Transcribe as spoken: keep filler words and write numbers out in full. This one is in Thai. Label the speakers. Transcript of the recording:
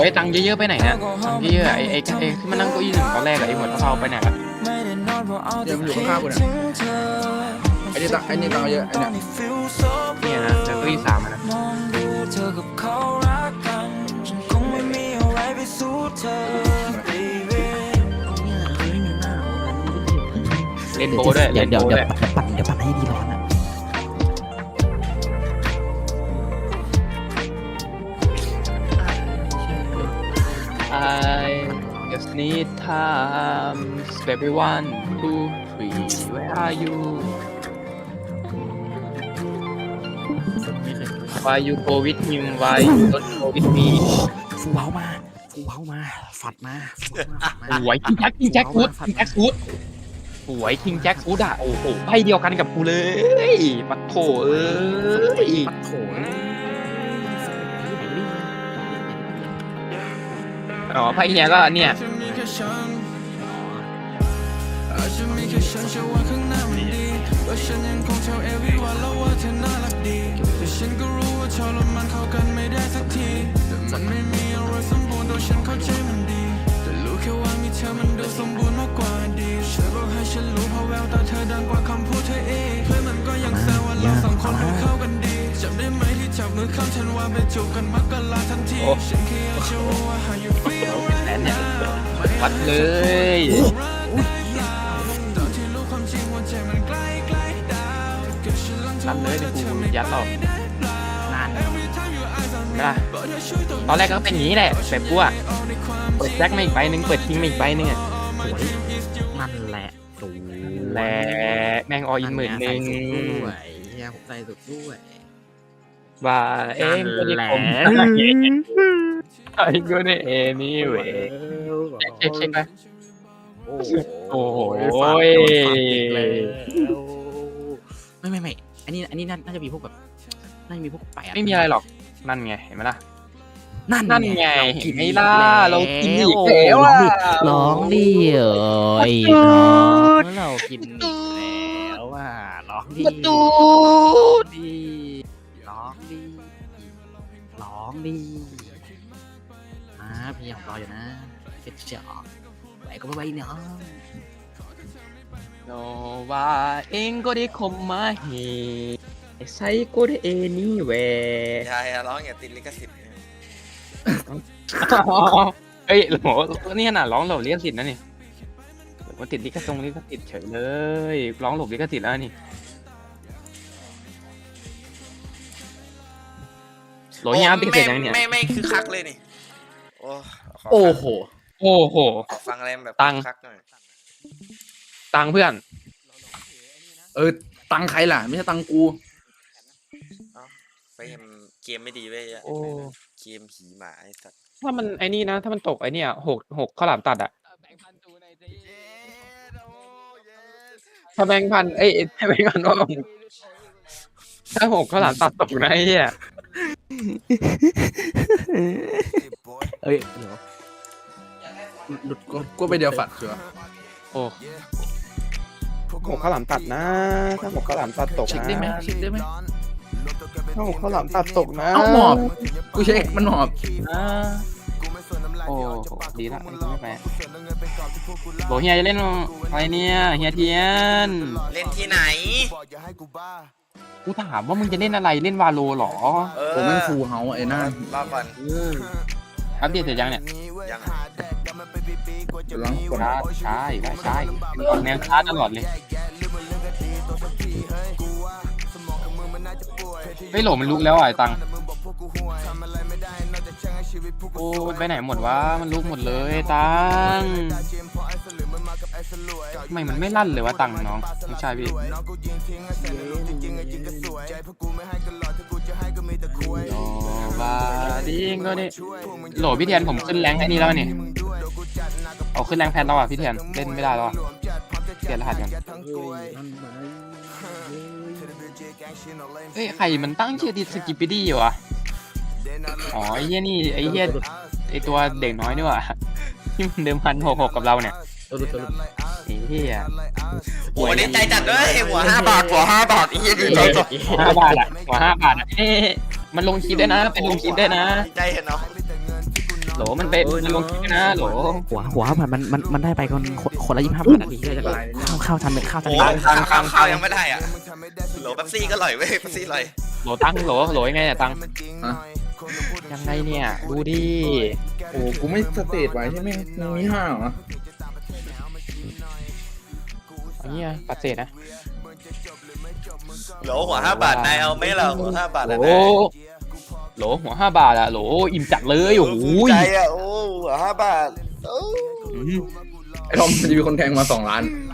Speaker 1: ไอ้ตังค์เยอะๆไปไหนเนี่ยตังค์เยอะๆไอ้ไอ้ไอ้ที่มันนั่งเก้าอี้หนึ่งตอนแรกอะไอ้หัวเทาๆไปไหนละ
Speaker 2: เดี๋ยวมันอยู่ข้างๆกูเนี่ยไอ้นี่ตังไอ้นี่ตังเยอะไอ้เนี่ย
Speaker 1: เนี่ยนะแต่เก้าอี้สามอะนะเล่นโบว์ด้วย
Speaker 3: เดี๋
Speaker 1: เล่
Speaker 3: ยวน เดี๋ยว
Speaker 1: โบว์
Speaker 3: เดี๋
Speaker 1: ด้
Speaker 3: ยว
Speaker 1: วย
Speaker 3: ปั่นเดี๋ยวปั่นให้ดีร้อนอ่ะ
Speaker 1: I just need time baby one two three where are you why you go with him why you don't go with me
Speaker 3: ฟูเฮามาฟูเฮามาฝัดมาฝัดมา
Speaker 1: สวยคิงแจ็คคิงแจ็คฟูดคิงแจ็คฟูดสวยคิงแจ็คฟูดอ่ะโอ้โหไพ่เดียวกันกับกูเลยปัดโถเอ้ย
Speaker 3: ปัดโถ
Speaker 1: อ๋อไพ่เนี้ยก็เนี่ยโอ้แสนเนี่ยวัดเลยนั่นเลยดิกูยัดหรอกนานนะตอนแรกก็เป็นอย่างนี้แหละแบบกูอะเปิดแจ็คมาอีกใบหนึ่งเปิดทิ้งมาอีกใบหนึ่งอะ
Speaker 3: สวยนั่นแหละดู
Speaker 1: แหละแม่งออินหมื่นหนึ่ง
Speaker 3: ด้วยเฮียผมใส่สุดด้วย
Speaker 1: ว่าเอ็มก็ได้ผมไอ้ก็ได้เอนี่เว้ยเช็คเช็คไหม
Speaker 3: โอ้
Speaker 1: โอ้โห
Speaker 3: ไม่ไม่ไม่อันนี้อันนี้น่าจะมีพวกแบบน่าจะมีพวกแปด
Speaker 1: ไม่มีอะไรหรอกนั่นไงเห็นไหมล่ะ
Speaker 3: นั่น
Speaker 1: นั่นไง
Speaker 3: เรากิน
Speaker 1: เห็นไหมล่ะเรากินอีก
Speaker 3: โ
Speaker 1: แล้วอะ
Speaker 3: ร้องดิเอ้ยน้องเรากินอีกแล้วอ่ะร้องดิ
Speaker 1: ประตู
Speaker 3: ดิร้องดิร้องดิอ่าพี่ยังรออยู่นะเจ็ดเจ๋อไหวก็ไม่ไหวเนาะ
Speaker 1: โนว่าเองก็ได้คมมาเฮไอ้ไซก็ได้เอนี่เว้ย
Speaker 4: อย่าอย่าร้องอย่าติดลิขสิทธิ์
Speaker 1: เอ้ยโหนี่ขนาดร้องหลบลิขสิทธิ์นะนี่มันติดลิขทรงลิขสิทธิ์เฉยเลยร้องหลบลิขสิทธิ์แล้วนี่โหลเฮียปิดเสร็จยังเนี่ย
Speaker 4: ไม่ไม่คือคักเลยนี่โอ้ข
Speaker 2: โอ้โห
Speaker 1: โอ้โห
Speaker 4: ขอฟังอะไรแบบ
Speaker 1: ตัง
Speaker 4: คักหน่อย
Speaker 1: ตังเพื่อน
Speaker 2: เออตังใครล่ะไม่ใช่ตังกู
Speaker 4: เฟมเกมไม่ดีเว้ย
Speaker 1: โอ้
Speaker 4: เกมผีหมาไอ้สัตว์
Speaker 1: ถ้ามันไอ้นี่นะถ้ามันตกไอ้เนี่ยหกหกข้าวหลามตัดอะถ้าแบงค์พันเอ้ยถ้าแบงค์พันว่าถ้าหกข้าวหลามตัดตกนะไอ้เหี้ย
Speaker 3: เอ้ยเดี๋ยว
Speaker 2: หลุดกูกูไปเดียวฝัดเชียว
Speaker 1: โอ้หกข้าวหลามตัดนะถ้าหกข้าวหลามตัดตก
Speaker 2: เช็ค
Speaker 1: นะ
Speaker 2: ได้ไหมเช็คได้ไหม
Speaker 1: ถ้าหกข้าวหลามตัดตกนะ
Speaker 2: เอ้าหมอบกูเช็คมันหมอบ
Speaker 1: นะโอ้ดีละไม่ไปโหเฮียจะเล่นอะไรเนี่ยเฮียเทียน
Speaker 4: เล่นที่ไหน
Speaker 1: กูถามว่ามึงจะเล่นอะไรเล่นวาโลหรอ
Speaker 4: เออ
Speaker 2: ผมแม่งฟูเฮาไอ้หน้าร
Speaker 4: อก่อน
Speaker 1: อัปเดตเสร็จยังเนี่ย
Speaker 4: ยัง
Speaker 2: ล้างกด
Speaker 1: ช้าช้าอีกแล้วช้าอีกออกแนวช้าตลอดเลยไม่โหลมันลุกแล้วอ่ะไอ้ตังโอ้มันไปไหนหมดวะมันลุกหมดเลยไอ้ตังทำไมมันไม่ลั่นเลยวะตังน้องไม่ใช่พี่โอ้บาดิงก็นี่โหลพี่เทียนผมขึ้นแรงค์ไอ้นี่แล้วนี่เอาขึ้นแรงค์แพนแล้วอ่ะพี่เทียนเล่นไม่ได้แล้วอ่ะเปลี่ยนรหัสกันเฮ้ยใครมันตั้งชื่อดิสกิปปี้ดี้วะอ๋อไอ้เหี้ยนี่ไอ้เหี้ยไอ้ตัวเด็กน้อยนี่ว่ะที่มันเดิมพันหกหกกับเราเนี่ย
Speaker 3: ตัวลุตัวลุ
Speaker 1: ไอ้เหี้ย
Speaker 4: โอ้ยดีใจจัดเลยหัวห้าบาทหัวห้าบาทอีเหี้ยดีใจจัด
Speaker 1: ห้าบาทอ่ะหัวห้าบาทอ่ะเอ๊ะมันลงคลิปได้นะเป็นลงคลิปได้นะ
Speaker 4: ดีใจเห็นเนาะ
Speaker 1: โหลมันเป็นมันลงคลิปนะโหล
Speaker 3: หัวหัวมันมันมันมันได้ไปคนคนคนละยี่สิบห้าบาทนาทีที่จะเข้าเข้าทำเป็นข้าว
Speaker 4: โอ้
Speaker 3: ทำ
Speaker 4: ข้าวข้าวยังไม่ได้อ่ะโหลเป๊ปซี่ก็อร่อยเว้ยเป๊ปซี่อร่อย
Speaker 1: โหลตังโหลโหลยังไงเนี่ยตัง
Speaker 2: ฮะ
Speaker 1: ยังไงเนี่ยดูดิ
Speaker 2: โอ้กูไม่สเตตไว้ใช่ไหมมึงมีห้าเหรอ
Speaker 1: อันนี้ปัดเศษนะ
Speaker 4: โหลหัวห้าบาทนายเอาไหม่ล่ะหัวห้าบาท
Speaker 1: โหล
Speaker 4: อ่ะนาย
Speaker 1: โหลหัวห้าบาทอะโหลอิ่มจัดเลยโอ้โห
Speaker 4: ใจอ่ะโอ้หัวห้าบาทโอ้
Speaker 1: อืม
Speaker 2: ไอ้ทอมมันจะมีคนแทงมาสองล้าน